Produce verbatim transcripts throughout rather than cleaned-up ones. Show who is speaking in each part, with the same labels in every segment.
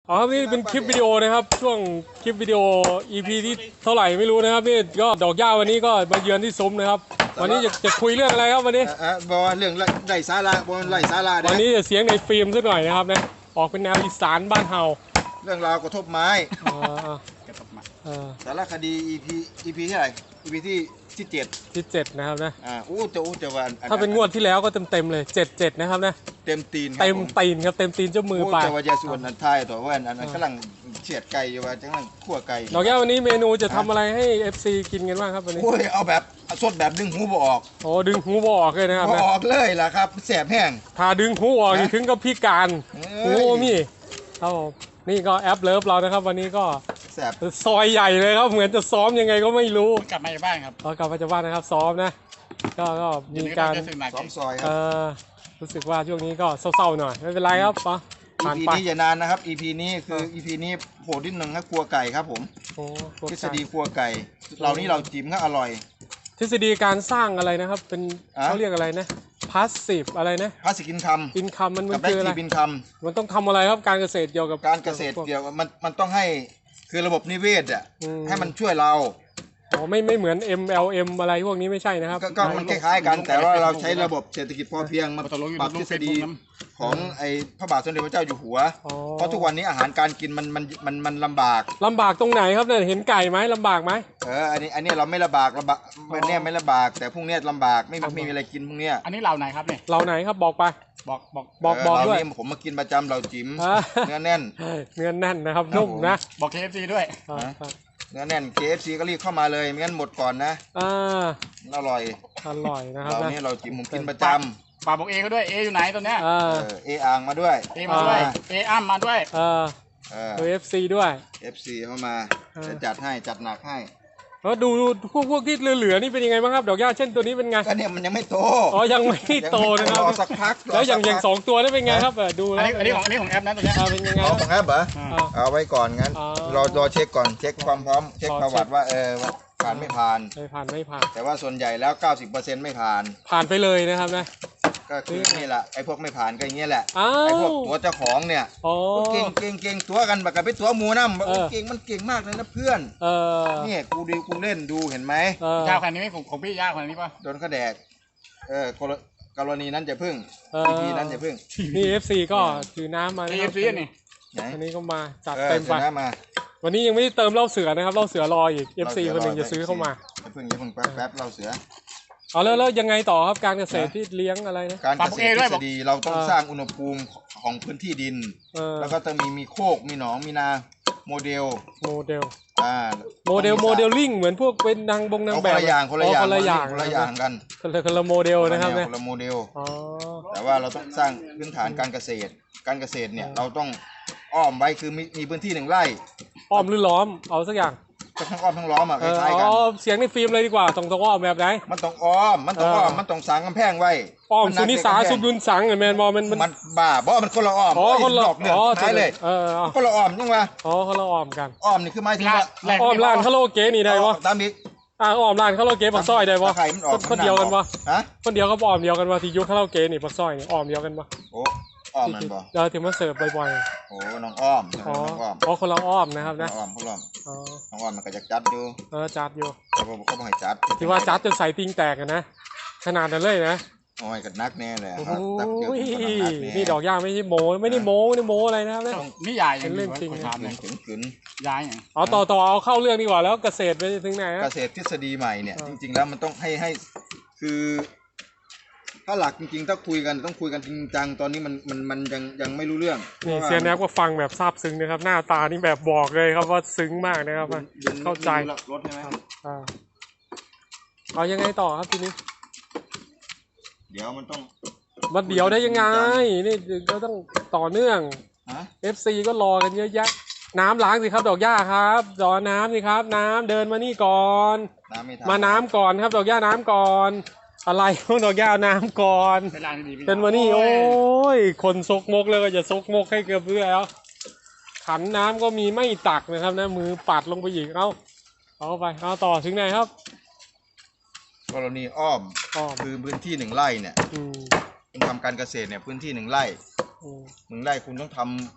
Speaker 1: อ๋อนี่เป็นคลิปวิดีโอนะครับช่วงคลิปวิดีโอ อี พี ที่เท่าไหร่ไม่รู้นะครับนี่ก็ดอกหญ้าวันนี้ก็มาเยือนที่ซุ้มนะครับวันนี้จะจะคุยเรื่องอะไรครับวันนี้
Speaker 2: อ่ะบอกว่าเรื่องไร่สาระบนไร่สาระเย
Speaker 1: วันนี้จะเสียงในฟิล์มสักหน่อยนะครับนะออกเป็นแนวอีสานบ้านเฮา
Speaker 2: เรื่องราวกระทบไม้
Speaker 1: อ่าอ่าอ่า
Speaker 2: สารคดี อี พี อี พี ที่ไหน อี พี ที่ที่เจ็ด
Speaker 1: ที่เจ็ดนะครับนะ
Speaker 2: อ่าอู้จะอู้จะวัน
Speaker 1: ถ้าเป็นงวดที่แล้วก็เต็มเต็มๆเลยเจ็ดเจ็ดนะครับนะ
Speaker 2: เต็มตีน
Speaker 1: เต็มตีนครับเต็มตีนเจ้ามือ
Speaker 2: อู้
Speaker 1: ไป
Speaker 2: จะว่ายาส่วนอันไทายตัวว่าอันนั้นกำลังเฉียดไก่อยู่ว่าจังลังคั่วไก่
Speaker 1: ดอกหญ้าวันนี้เมนูจะทำอะไรให้ เอฟ ซี กินกันบ้างครับวันนี้
Speaker 2: โอ้ยเอาแบบสดแบบดึงหูบ่ออก
Speaker 1: โอ้ดึงหูบออกเลยนะครับ
Speaker 2: บ่
Speaker 1: นะ
Speaker 2: ออกเลยล่ะครับแสบแห้ง
Speaker 1: ถ้าดึงหูออกนี่ถึงกับพิการ
Speaker 2: เอ้
Speaker 1: โอ้
Speaker 2: ย
Speaker 1: มีครับผมนี่ก็แอปเลิฟเรานะครับ วันนี้ก็
Speaker 2: แสบ
Speaker 1: ซอยใหญ่เลยครับเหมือนจะซ้อมยังไงก็ไม่รู้
Speaker 3: กลับมาจากบ้านครับ
Speaker 1: เรากลับมาจากบ้านนะครับซ้อมนะก็ก็มีการ
Speaker 3: เดี๋ยวนี้ก็จะสึกหนัก
Speaker 2: สองซอยค
Speaker 1: เอ
Speaker 2: รับ
Speaker 1: อรู้สึกว่าช่วงนี้ก็เศร้าๆหน่อยไม่เป็นไรครับปะผ่าน
Speaker 2: อี พี
Speaker 1: ไป
Speaker 2: นี้อย่านานนะครับ อี พี นี้คือ อี พี นี้โหดนิดนึงครับครัวไก่ครับผม
Speaker 1: โอ้พวก
Speaker 2: ทฤษฎีครัวไก่เรานี่เราจิ้มก็อร่อย
Speaker 1: ทฤษฎีการสร้างอะไรนะครับ เป็น
Speaker 2: อ่ะ
Speaker 1: เขาเรียกอะไรนะพาสซีฟอะไรนะ
Speaker 2: พาสกินคำ
Speaker 1: อินคัมมัน
Speaker 2: กั
Speaker 1: มั
Speaker 2: บ
Speaker 1: น
Speaker 2: ได้
Speaker 1: คืออะไร
Speaker 2: ทีบินค
Speaker 1: มันต้องทำอะไรครับการเกษตรเกี่ยวกับ
Speaker 2: ำการเกษตรเกี่ยวกับมันมันต้องให้คือระบบนิเวศอ่ะ
Speaker 1: อืม
Speaker 2: ให้มันช่วยเรา
Speaker 1: อ๋อไม่ไม่เหมือน เอ็ม แอล เอ็ม อะไรพวกนี้ไม่ใช่นะครับ
Speaker 2: ก็ก็มันคล้ายๆกัน แต่ว่าเราใช้ระบบเศรษฐกิจพอเพียงมา
Speaker 3: ตกลงอยู่
Speaker 2: ปรับ
Speaker 3: ล
Speaker 2: ท
Speaker 3: ง
Speaker 2: ฤษ
Speaker 3: เฟซ
Speaker 2: ฎี
Speaker 3: บุ๊กน้ำ
Speaker 2: ของไอ้พระบาทสมเด็จพระเจ้าอยู่หัว
Speaker 1: อ๋อ
Speaker 2: เพราะทุกวันนี้อาหารการกินมันมันมันมันลำบาก
Speaker 1: ลำบากตรงไหนครับเนี่ยเห็นไก่ไหมลำบากไหม
Speaker 2: เอออันนี้อันนี้เราไม่ลำบากลำบากวันเนี้ยไม่ลำบาก แต่พรุ่งเนี้ยลำบากไม่มีไม่มีอะไรกินพรุ่งเนี้ย
Speaker 3: อันนี้เหล่าไหนครับเนี่ย
Speaker 1: เราไหนครับบอกไป
Speaker 3: บอกบอก
Speaker 1: บอก
Speaker 2: เ
Speaker 1: บอก
Speaker 2: เรา
Speaker 1: ด้วย
Speaker 2: นี่ผมมากินประจำเราจิ๋ม
Speaker 1: อ่า
Speaker 2: เนื้อแน่น
Speaker 1: เนื้อแน่นนะครับ
Speaker 2: ครับ
Speaker 1: นุ่มนะ
Speaker 3: บอก เค เอฟ ซี ด้วย
Speaker 1: อ่า
Speaker 2: ฮะ เนื้อแน่น เค เอฟ ซี ก็รีบเข้ามาเลยไม่งั้นหมดก่อนนะ
Speaker 1: อ่า
Speaker 2: อร่อย
Speaker 1: อร่อยนะครับ
Speaker 2: เรา
Speaker 1: นะ
Speaker 2: นี่เราจิ๋มผมกินประจำ
Speaker 3: ป่าบอกเอเขาด้วย เออยู่ไหนตอนเนี้ย
Speaker 1: อ่า
Speaker 2: เออเออ่างมาด้วย
Speaker 3: เอมาด้วย เออ้ำมาด้วย
Speaker 1: เออ
Speaker 2: เออ
Speaker 1: เอฟซีด้วย
Speaker 2: เอฟซีเข้ามา
Speaker 1: เออ
Speaker 2: จะจัดให้จัดหนักให้
Speaker 1: แล้วดูดูพวกพวกที่เหลือๆนี่เป็นยังไงบ้างครับดอกหญ้าเช่นตัวนี้เป็นไง
Speaker 2: ก็เนี่ยมันยังไม่โต
Speaker 1: อ๋อยังไม่โตนะครับ
Speaker 2: รอสักพักร
Speaker 1: แล้วอย่าง
Speaker 2: สัก
Speaker 1: อย่าง
Speaker 2: พัก
Speaker 1: สองตัวนี่เป็นไงครับเออดู
Speaker 3: อัน
Speaker 1: แล้ว
Speaker 3: นี้อันนี้ของอันนี้ของแอปนะตัวเนี้ย
Speaker 1: อ่าเป็นยังไง
Speaker 2: เอา
Speaker 1: ครับ
Speaker 2: ของแอปเหรอ
Speaker 1: อ่า
Speaker 2: เอาไว้ก่อนงั้น
Speaker 1: อ๋อ
Speaker 2: รอรอเช็คก่อนเช็คความพร้อมเช็ค
Speaker 1: รอ
Speaker 2: ประวัติ
Speaker 1: เช็ค
Speaker 2: ว่าเออว่าผ่านไม่ผ่าน
Speaker 1: ไม่ผ่านไม่ผ่าน
Speaker 2: แต่ว่าส่วนใหญ่แล้ว เก้าสิบเปอร์เซ็นต์ ไม่ผ่าน
Speaker 1: ผ่านไปเลยนะครับนะ
Speaker 2: ก็คือนี่แหละไอ้พวกไม่ผ่านก็อย่างเงี้ยแหละ
Speaker 1: อ้า
Speaker 2: ไอ้พว
Speaker 1: ว
Speaker 2: กตัวเจ้าของเนี่ย
Speaker 1: อ๋อ
Speaker 2: เก่งเก่งเก่งตัวกันบักกับไปตัวหมูน้ำบอก
Speaker 1: เออ
Speaker 2: เก่งมันเก่งมากเลยนะเพื่อน
Speaker 1: เออ
Speaker 2: นี่กูดูกูเล่นดูเห็นไหม
Speaker 1: เออย
Speaker 3: าวขนาดนี้ไหมของของพี่ยาวขนาดนี้ป่ะ
Speaker 2: โดนเขาแดกเออกรกรณีนั้นจะพึ่ง
Speaker 1: เออ
Speaker 2: อีพีนั้นจะพึ่ง
Speaker 1: นี่ เอฟ ซี ก็ถือน้ำมา
Speaker 3: เอ
Speaker 1: นะค
Speaker 3: เอ
Speaker 1: รับ
Speaker 3: ฟซีนี่
Speaker 2: ไหน
Speaker 1: อันนี้ก็มาจัด
Speaker 2: เออ
Speaker 1: เต็ม
Speaker 2: เส
Speaker 1: ไป
Speaker 2: ร็จแล้วมา
Speaker 1: วันนี้ยังไม่ได้เติมเหล้าเสือนะครับเหล้าเสือรออีก เอฟ ซี คนหนึ่งจะซื้อเข้ามา
Speaker 2: อย่าพึ่งอย่าพึ่งแป๊บแป๊บเราเสือ
Speaker 1: เอาแล้วแล้วยังไงต่อครับการเกษตรที่เลี้ยงอะไรนะ
Speaker 2: การเกษตรทฤษฎีเราต้อง
Speaker 1: เออ
Speaker 2: สร้างอุณหภูมิของพื้นที่ดิน
Speaker 1: เออ
Speaker 2: แล้วก็ต้องมีมีโคกมีหนองมีนาโมเดล
Speaker 1: โมเดล
Speaker 2: อ่า
Speaker 1: โมเดลโมเดลลิ่งเหมือนพวกเป็นนางบงนาง
Speaker 2: เอา
Speaker 1: แบ
Speaker 2: คน
Speaker 1: บ
Speaker 2: ละอย่างคนละอย่าง
Speaker 1: คนละอย่าง
Speaker 2: คนละอย่างกัน
Speaker 1: คนละคนละโมเดลนะครับ
Speaker 2: ค
Speaker 1: เนี่ย
Speaker 2: นละโมเดล
Speaker 1: อ๋อ
Speaker 2: แต่ว่าเราต้องสร้างพื้นฐานการเกษตร การเกษตรเนี่ยเราต้องอ้อมไว้คือมีมีพื้นที่หนึ่งไร่
Speaker 1: อ้อมหรือล้อมเอาสักอย่าง
Speaker 2: ก็ทั้งอ้อมทั้งล้อมอ่ะค
Speaker 1: เออ
Speaker 2: ล้ายๆกัน
Speaker 1: เอาเสียงในฟิล์มเลยดีกว่าตรงตรงอ้อมแบบไหน
Speaker 2: มันต้องอ้อมมันต้องอ้อม
Speaker 1: เออ
Speaker 2: มันต้องสร้างกำแพงไว้
Speaker 1: อ้อม
Speaker 2: มั
Speaker 1: สุนิสา
Speaker 2: กำแพง
Speaker 1: สุยุนสังเหรอแมนบอลมันมัน
Speaker 2: มันบ้าเพราะมันคนละอ้อม
Speaker 1: อ๋อคนละ
Speaker 2: ดอกเนื้อ
Speaker 1: อ๋อ
Speaker 2: ท้ายเลย
Speaker 1: เออเอา
Speaker 2: คนละอ้อมยังวะ
Speaker 1: อ๋อคนละอ้อมกัน
Speaker 2: อ้อมนี่คือหมายถึงว่า
Speaker 3: แรก
Speaker 1: อ้อมร้านคาราโอเกะนี่ได้ปะ
Speaker 2: ตามอีก
Speaker 1: อ่าอ้อมร้านคาราโอเกะปักซอยได้ปะ
Speaker 2: ตะไคร้มันออก
Speaker 1: คนเดียวกันปะ
Speaker 2: ฮะ
Speaker 1: คนเดียวก็อ้อมเดียวกันปะที่ยุคคาราโอเกะนี่ปักซอยนี่อ้อมเดียวกันปะ
Speaker 2: โอ้อ้อมมันบ่
Speaker 1: เราถึงมาเสิร์ฟบ่อย
Speaker 2: โอ้น้องอ้อม
Speaker 1: ๆอ๋อ
Speaker 2: น้องอ้อม
Speaker 1: อ๋อคนละอ้อมนะครับ
Speaker 2: น้อ
Speaker 1: นะ
Speaker 2: งอ้อมพวกเรา
Speaker 1: อ๋อ
Speaker 2: น้องอ้อมมันก็จะจัดอยู่
Speaker 1: เออจัดอยู่
Speaker 2: เขาบอกเขาบอกให้จัด
Speaker 1: ที่ว่าจัดจนใส่ติงแตกอะนะขนาดนั้นเลยนะ
Speaker 2: โอ้ยกันักแน่เลย
Speaker 1: โอ้
Speaker 2: ครับตักเกี่ยว
Speaker 1: ย
Speaker 2: กับคนนักแน่
Speaker 1: นี่ดอกย่าไม่ใช่โมไม่ได้โมไม่ได้โมอะไรนะครับเนี่ย
Speaker 3: นี่ยายยัง
Speaker 1: เป็นเรื่องจริง
Speaker 3: คนถามเลย
Speaker 2: กึ๋นกึ๋น
Speaker 3: ยายอย่าง
Speaker 1: เอาต่อต่อเอาเข้าเรื่องดีกว่าแล้วเกษตรไปถึงไหน
Speaker 2: เก
Speaker 1: อะ
Speaker 2: ษตรทฤษฎีใหม่เนี่ย
Speaker 1: อ่า
Speaker 2: จริง ๆ แล้วมันต้องให้ให้คือ ถ้าหลักจริงๆถ้าคุยกันต้องคุยกันจริงจังตอนนี้มันมันมันยังยังไม่รู้เรื่อง
Speaker 1: นี่เซียนแนบก็ฟังแบบซาบซึ้งนะครับ หน้าตานี่แบบบอกเลยครับว่าซึ้งมากนะครับ
Speaker 2: ดิน
Speaker 1: เข้าใจ
Speaker 2: ดินรถใช่ไหม
Speaker 1: อ่าเอายังไงต่อครับทีนี้
Speaker 2: เดี๋ยวมันต้อง
Speaker 1: วันเดียวได้ยังไงนี่ก็ต้องต่อเนื่อง
Speaker 2: ฮะ
Speaker 1: เอฟ ซี ก็รอกันเยอะแยะน้ำล้างสิครับดอกหญ้าครับรอน้ำสิครับ น้ำเดินมานี่ก่อน
Speaker 2: น้ำไม่ทั
Speaker 1: มาน้ำก่อนครับดอกหญ้าน้ำก่อน อะไรพวกดอกหญ้าน้ำก่อน
Speaker 3: เป็นร้านที่ดีพี่
Speaker 1: เป็นมานี่โอ้ยคนซกมกเลยก็จะซกมกให้เกือบเพื่อแล้วขันน้ำก็มีไม่ตักนะครับนะมือปัดลงไปอีกเอาเอาไปเอาต่อถึงไหนครับ
Speaker 2: กรณีอ้อม
Speaker 1: อ้อม
Speaker 2: คือพื้นที่หนึ่งไร่เนี่ย
Speaker 1: อืม
Speaker 2: คุณทำการเกษตรเนี่ยพื้นที่หนึ่งไร่
Speaker 1: อืม
Speaker 2: หนึ่งไร่คุณต้องทำโค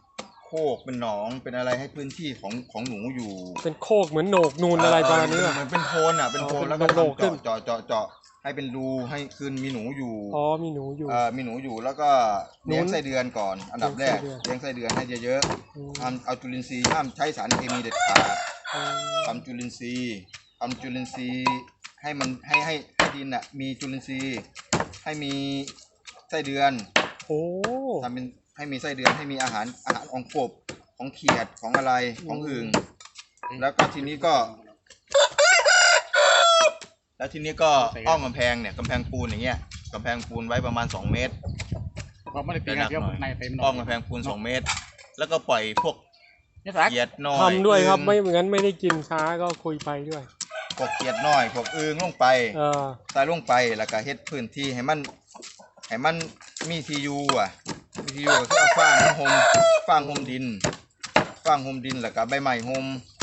Speaker 2: โคกเป็นหนองเป็นอะไรให้พื้นที่ของของหนูอยู่
Speaker 1: เป็นโคกเหมือนโหนกนูนอะไรประมาณนี้
Speaker 2: เออ
Speaker 1: ป่ะ
Speaker 2: เหมือนเป็นโพนอ่ะเป็นโพน
Speaker 1: อ๋อ
Speaker 2: แล้วก็
Speaker 1: เป็นโหนกขึ้น
Speaker 2: ทำเจาะเจาะเจาะให้เป็นรูให้คืนมีหนูอยู่
Speaker 1: อ๋อมีหนูอยู่
Speaker 2: เอ่อมีหนูอยู่แล้วก็เลี้ยงไส้เดือนก่อน อันดับแรก
Speaker 1: เลี้ยงไส้เดือน
Speaker 2: เลี้ยงไส้เดือนให้เยอะ
Speaker 1: อืม
Speaker 2: ๆทำเอาจุลินทรีย์ห้ามใช้สารเคมีเด็ดขาด
Speaker 1: อืม
Speaker 2: ทำจุลินทรีย์ทำจุลินทรีย์ให้มันให้ให้ให้ดินอ่ะมีจุลินทรีย์ให้มีไส้เดือน
Speaker 1: โอ้
Speaker 2: ทำเป็นให้มีไส้เดือนให้มีอาหารอาหารของกบของเขียดของอะไรของอึ่งแล้วก็ทีนี้ก็ แล้วทีนี้ก็อ้อมกำแพงเนี่ยกำแพงปูนอย่างเงี้ยกำแพงปูนไว้ประมาณสองเมตร
Speaker 3: เราไม่ได้ตีกันเดียวในเต็ม
Speaker 2: อ้อมกำแพงปูนสองเมตร แล้วก็ปล่อยพวก
Speaker 3: นี่สัก
Speaker 2: เขียดน้อย
Speaker 1: ทำด้วยครับ
Speaker 2: อึ่ง
Speaker 1: ไม่เหมือนไม่ได้กินช้าก็คุยไปด้วย
Speaker 2: พวกเขียดน้อยพวกอึ่งลงไป
Speaker 1: เออ
Speaker 2: ใส่ลงไปแล้วก็เฮ็ดพื้นที่ให้มันให้มันมีที่อยู่อ่ะมีที่อยู่ก็คือเอาฟางมาห่มฟางห่มดินฟางห่มดินแล้วก็ใบไม้ห่ม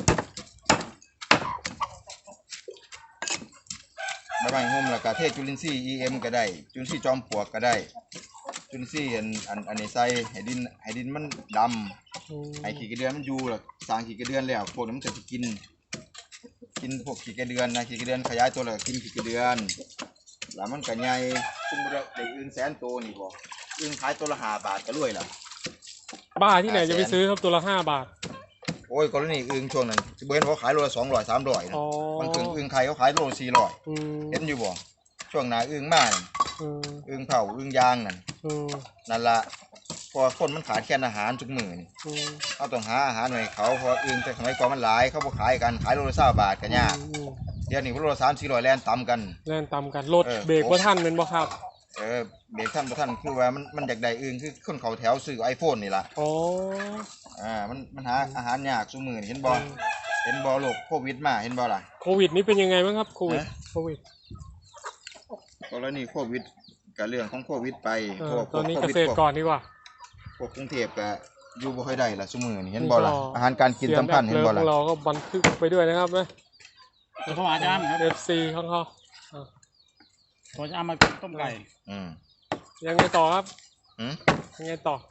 Speaker 2: ใบไม้ห่มแล้วก็เทจุลินทรีย์ อี เอ็ม ก็ได้จุลินทรีย์จอมปลวกก็ได้จุลินทรีย์อันอันอันนี้ใส่ให้ดินให้ดินมันดำ
Speaker 1: อืม
Speaker 2: ให้ขี้กระเดือนมันอยู่แล้วสร้างขี้กระเดือนแล้วพวกนี้มันจะสิกิน กินพวกขี้กระเดือนนะขี้กระเดือนขยายตัวแล้วก็กินขี้กระเดือนแล้วมันก็ใหญ่ซึ่งบ่ได้ได้อึ่งแสนตัวนี่บ่อึ่งขายตัวละห้าบาทก็รวยแล้ว
Speaker 1: บ้าที่ไหนจะไปซื้อครับตัวละห้าบาท
Speaker 2: โอ้ยกรณีอึ่งช่วงนั้นสิบ่เห็นว่าขายโลละสองร้อย สามร้อยนะ
Speaker 1: อ๋อบ
Speaker 2: างครั้งอึ่งไข่เขาขายโลละสี่ร้อย
Speaker 1: อืม
Speaker 2: เห็นอยู่บ่ช่วงหน้าอึ่งมานั่น
Speaker 1: อืม
Speaker 2: อึ่งเผาอึ่งยางนั่น
Speaker 1: อืม
Speaker 2: นั่นล่ะเพราะว่าคนมันขาดแคลนอาหารทุกมื้อนี่
Speaker 1: อืม
Speaker 2: เขาต้องหาอาหารให้เขาเพราะว่าอึ่งแต่สมัยก่อนมันหลายเขาบ่ขายกันขายโลละยี่สิบบาทก็ยาก
Speaker 1: อืม
Speaker 2: เดี๋ยวนี้โลละสามสี่ร้อยแล่นต่ำกัน
Speaker 1: แล่นตามกันรถ
Speaker 2: เออ
Speaker 1: เบรกว่าท่านเป็นบ่ครับ
Speaker 2: เออเบรกท่านบ่ท่านคือว่ามันมันอยากได้อึ่งคือคนเขาแถวซื้อ iPhone นี่ล่ะ
Speaker 1: อ๋อ
Speaker 2: อ่ามันมันหาอาหารยากซุมื้อนี่เห็นบ่เห็นบ่โรคโควิดมาเห็นบ่ล่ะ
Speaker 1: โควิดนี่เป็นยังไงบ้างครับโควิด
Speaker 2: ฮะ
Speaker 1: โควิด
Speaker 2: กรณีโควิดก็เรื่องของโควิดไป
Speaker 1: เอ
Speaker 2: พ
Speaker 1: อ
Speaker 2: วก
Speaker 1: ตอนนี้
Speaker 2: โค
Speaker 1: เก
Speaker 2: วิด
Speaker 1: ษตร
Speaker 2: พวก
Speaker 1: ก่อนดีกว่า
Speaker 2: พวกกรุงเทพก็อยู่บ่ค่อยได้ล่ะซุมื้อนี่เห็นบ่ล่ะ
Speaker 1: นี่ก็
Speaker 2: อาหารการกินสำคัญเห็นบ่
Speaker 1: ข
Speaker 2: ล่ะ
Speaker 1: องเราก็บันทึกไปด้วยนะครับนะ
Speaker 3: ตัวพ่ออาจารย์ครับ
Speaker 1: เอฟซีของเขา
Speaker 3: ตัวจะเอามาต้มไก่
Speaker 2: อืม
Speaker 1: ยังไงต่อครับ
Speaker 2: หืม
Speaker 1: ยังไงต่อ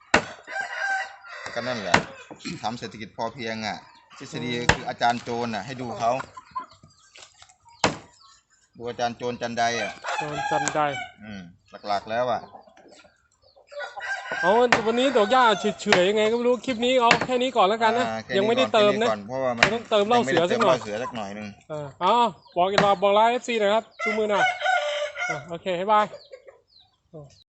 Speaker 2: ก็นั่นแหละทำเศรษฐกิจพอเพียงอ่ะทฤษฎีคืออาจารย์โจรน่ะให้ดูเขาดูอาจารย์โจรจันไดอ่ะ
Speaker 1: ตอนจันได้
Speaker 2: อืมหลักๆแล้วอ่ะ
Speaker 1: เอาวันนี้ดอกหญ้าเฉยๆยังไงก็ไม่รู้คลิปนี้เอาแค่นี้ก่อนแล้วกันนะ
Speaker 2: อ่าแค่
Speaker 1: ยังไม่ได้เติมนะ
Speaker 2: ก่อนเพราะว่ามัน
Speaker 1: ต้องเติมเหล้าเสือสักหน่อย
Speaker 2: งไม่ได้เติมเหล้าเสือสักหน่อยหนึง
Speaker 1: อ่าเอาบอกอีกรอบบอกไลน์เอฟซีหน่อยครับชูมือหน่อยอ่ะโอเคให้บาย